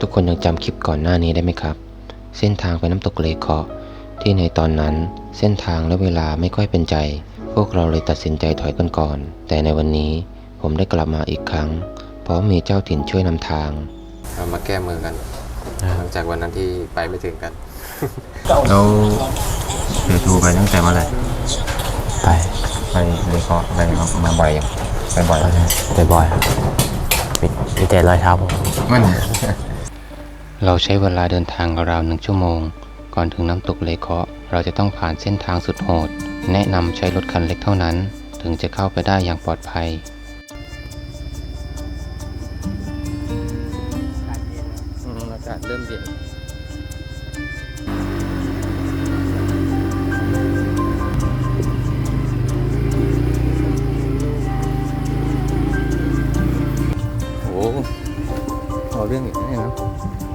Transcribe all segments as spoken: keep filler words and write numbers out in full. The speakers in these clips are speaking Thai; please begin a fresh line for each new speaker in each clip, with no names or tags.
ทุกคนยังจำคลิปก่อนหน้านี้ได้ไหมครับเส้นทางไปน้ำตกเลเคาะที่ในตอนนั้นเส้นทางและเวลาไม่ค่อยเป็นใจพวกเราเลยตัดสินใจถอยกันก่อนแต่ในวันนี้ผมได้กลับมาอีกครั้งเพราะมีเจ้าถิ่นช่วยนำทาง
เรามาแก้มือกันหลังจากวันนั้นที่ไปไม่ถึงกัน
เราเดือดทูไปตั้งแต่เมื่อไหร่
ไป
ไปเลเคาะไปมาบ่อยยังไปบ่อย
ไปบ่อยมีมีแต่รอยเท้าผม
มัน เราใช้เวลาเดินทางราวหนึ่งชั่วโมงก่อนถึงน้ำตกเลเคาะเราจะต้องผ่านเส้นทางสุดโหดแนะนำใช้รถคันเล็กเท่านั้นถึงจะเข้าไปได้อย่างปลอดภัย
อากาศเริ่มเย็นโอ้เอาเรื่องอีกแล้วนะ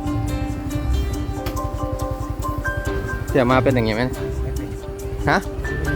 เสียมาเป็นอย่างงี้ไหมฮะ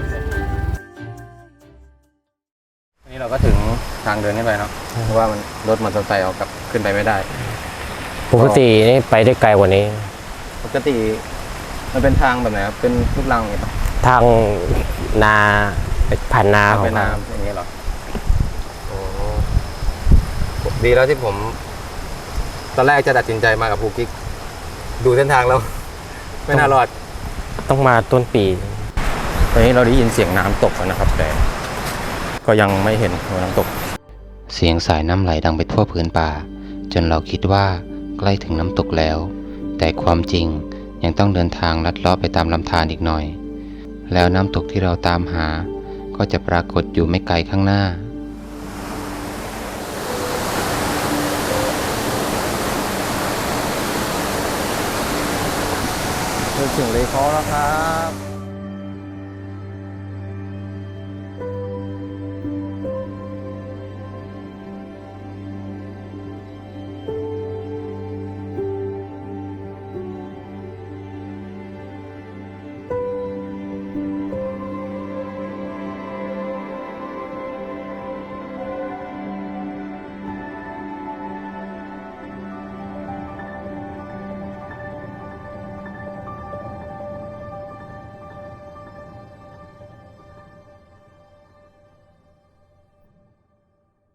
อันนี้เราก็ถึงทางเดินขึ้นไปเนาะเพราะว่ามันรถมอเตอร์ไซค์เอากลับขึ้นไปไม่ได้
ปกตินี่ไปได้ไกลกว่านี้
ปกติมันเป็นทางแบบไหนครับเป็นลูกรังอย่างเงี้ย
ทางนาผ่านนาของ
เป็นน้ำอย่างเงี้ยหรอโอ้ดีแล้วที่ผม ตอนแรกจะตัดสินใจมากับภูกิ๊กดูเส้นทางแล้ว ไม่น่ารอด
ต้องมาต้นปี
ตอนนี้เราได้ยินเสียงน้ำตกแล้วนะครับแต่ก็ยังไม่เห็นน้ำตก
เสียงสายน้ำไหลดังไปทั่วพื้นป่าจนเราคิดว่าใกล้ถึงน้ำตกแล้วแต่ความจริงยังต้องเดินทางลัดเลาะไปตามลำธารอีกหน่อยแล้วน้ำตกที่เราตามหาก็จะปรากฏอยู่ไม่ไกลข้างหน้า
ถึงเลเคาะแล้วครับ